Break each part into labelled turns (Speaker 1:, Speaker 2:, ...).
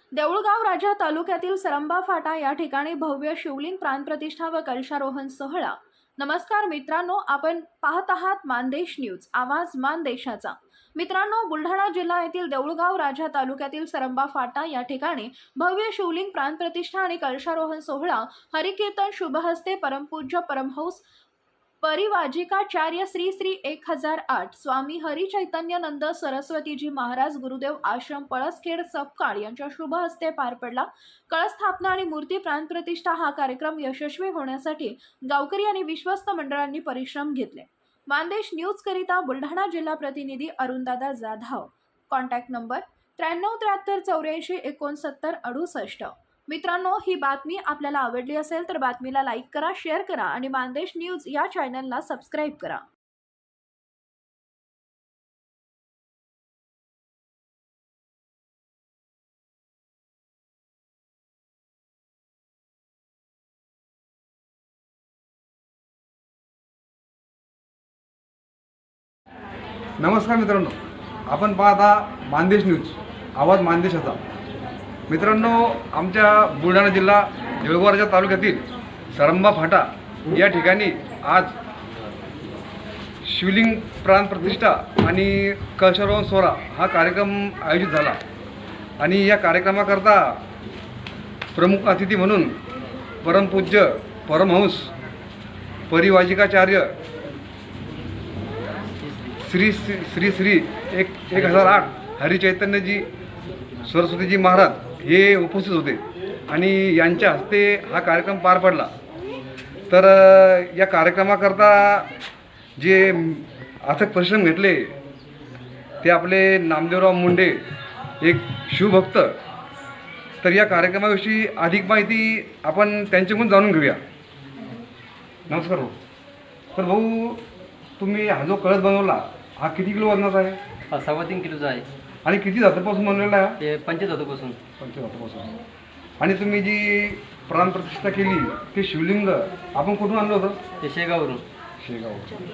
Speaker 1: देऊळगाव राजा तालुक्यातील सरंबा फाटा या ठिकाणी भव्य शिवलिंग प्राणप्रतिष्ठा व कलशारोहण सोहळा। नमस्कार मित्रांनो, आपण पाहत आहात मानदेश न्यूज, आवाज मानदेशाचा। मित्रांनो, बुलढाणा जिल्हा येथील देऊळगाव राजा तालुक्यातील सरंबा फाटा या ठिकाणी भव्य शिवलिंग प्राणप्रतिष्ठा आणि कलशारोहण सोहळा हरिकीर्तन शुभहस्ते परमपूज्य परमहंस परिवाजिकाचार्य श्री श्री 1008 स्वामी हरी चैतन्यानंद सरस्वतीजी महाराज गुरुदेव आश्रम पळसखेड सपकाळ यांच्या शुभ हस्ते पार पडला। कळस्थापना आणि मूर्ती प्राणप्रतिष्ठा हा कार्यक्रम यशस्वी होण्यासाठी गावकरी आणि विश्वस्त मंडळांनी परिश्रम घेतले। मानदेश न्यूज करिता बुलढाणा जिल्हा प्रतिनिधी अरुणदादा जाधव। कॉन्टॅक्ट नंबर 938484 मित्रांनो, ही बातमी आपल्याला आवडली असेल तर बातमीला लाईक करा, शेअर करा आणि मानदेश न्यूज या चॅनलला सबस्क्राईब करा।
Speaker 2: नमस्कार मित्रांनो, आपण पाहता मानदेश न्यूज, आवाज मानदेशाचा। मित्रांनो, आमच्या बुलढाणा जिल्हा देऊळगाव राजा तालुक्यातील सरंबा फाटा या ठिकाणी आज शिवलिंग प्राणप्रतिष्ठा आणि कलशारोहण सोहळा हा कार्यक्रम आयोजित झाला आणि या कार्यक्रमाकरता प्रमुख अतिथी म्हणून परमपूज्य परमहंस परिवाजिकाचार्य श्री श्री श्री 1008 हरी चैतन्यजी सरस्वतीजी महाराज हे उपस्थित होते आणि यांच्या हस्ते हा कार्यक्रम पार पडला। तर या कार्यक्रमाकरता जे अथक परिश्रम घेतले ते आपले नामदेवराव मुंडे, एक शिवभक्त। तर या कार्यक्रमाविषयी अधिक माहिती आपण त्यांच्याकडून जाणून घेऊया। नमस्कार भाऊ। तर भाऊ, तुम्ही हा जो कळस बनवला हा किती किलो वजनाचा आहे?
Speaker 3: हा 3.5 किलोचा आहे
Speaker 2: आणि किती धातूपासून बनवलेला आहे?
Speaker 3: ते 25 धातूपासून।
Speaker 2: 25 धातूपासून। आणि तुम्ही जी प्राणप्रतिष्ठा केली ते शिवलिंग आपण कुठून आणलं होतं?
Speaker 3: ते शेगाववरून।
Speaker 2: शेगाव।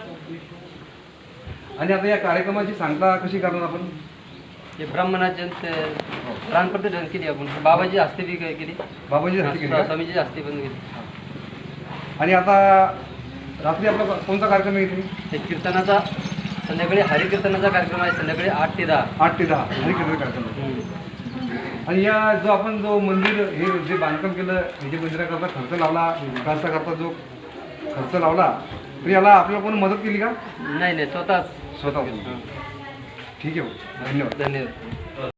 Speaker 2: आणि आता या कार्यक्रमाची सांगता कशी करणार आपण?
Speaker 3: ते ब्राह्मणाच्या प्राणप्रतिष्ठा केली आपण, बाबाजी हस्ते बी केली,
Speaker 2: बाबाजी हस्ते केली का?
Speaker 3: स्वामीजी हस्ते पण केली।
Speaker 2: आणि आता रात्री आपला कोणता कार्यक्रम आहे इथे?
Speaker 3: ते कीर्तनाचा संध्याकाळी हरिकीर्तनाचा कार्यक्रम आहे, संध्याकाळी 8 ते 10।
Speaker 2: 8 ते 10 हरिकीर्तन कार्यक्रम आहे। आणि या जो आपण जो मंदिर हे जे बांधकाम केलं, हे मंदिराकरता खर्च लावला, विकासाकरता जो खर्च लावला, तर याला आपल्याला कोणी मदत केली का?
Speaker 3: नाही, स्वतःच।
Speaker 2: स्वतः। ठीक आहे, धन्यवाद।
Speaker 3: धन्यवाद।